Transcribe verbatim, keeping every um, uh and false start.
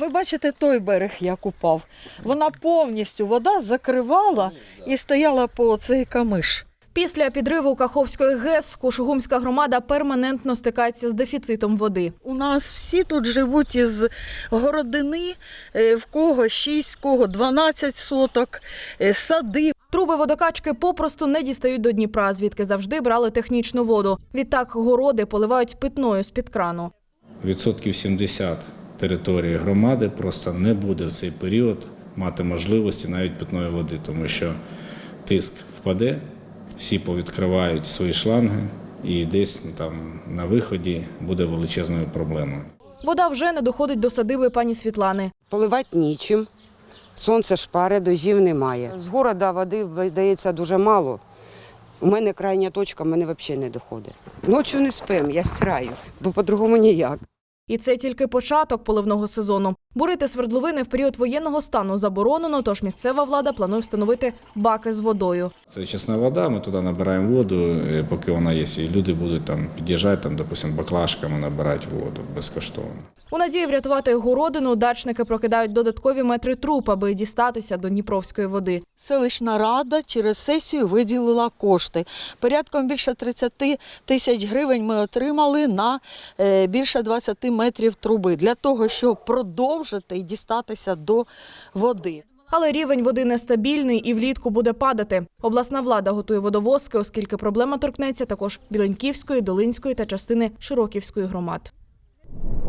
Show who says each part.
Speaker 1: Ви бачите той берег, як упав. Вона повністю, вода закривала і стояла по цей камиш.
Speaker 2: Після підриву Каховської ГЕС Кушугумська громада перманентно стикається з дефіцитом води.
Speaker 1: У нас всі тут живуть із городини, в кого шість, в кого дванадцять соток, сади.
Speaker 2: Труби водокачки попросту не дістають до Дніпра, звідки завжди брали технічну воду. Відтак городи поливають питною з-під крану.
Speaker 3: Відсотків сімдесят території громади просто не буде в цей період мати можливості навіть питної води, тому що тиск впаде, всі повідкривають свої шланги і десь там на виході буде величезною проблемою.
Speaker 2: Вода вже не доходить до садиби пані Світлани.
Speaker 4: Поливати нічим, сонце шпаре, дощів немає. З города води видається дуже мало. У мене крайня точка, в мене взагалі не доходить. Ночі не спим, я стираю, бо по-другому ніяк.
Speaker 2: І це тільки початок поливного сезону. Бурити свердловини в період воєнного стану заборонено, тож місцева влада планує встановити баки з водою.
Speaker 3: Це чесна вода, ми туди набираємо воду, поки вона є, і люди будуть там під'їжджати, там, допустимо, баклажками набирати воду безкоштовно.
Speaker 2: У надії врятувати городину дачники прокидають додаткові метри труб, аби дістатися до дніпровської води.
Speaker 1: Селищна рада через сесію виділила кошти. Порядком більше тридцяти тисяч гривень ми отримали на більше двадцяти метрів труби для того, щоб продовжити і дістатися до води.
Speaker 2: Але рівень води нестабільний і влітку буде падати. Обласна влада готує водовозки, оскільки проблема торкнеться також Біленьківської, Долинської та частини Широківської громад.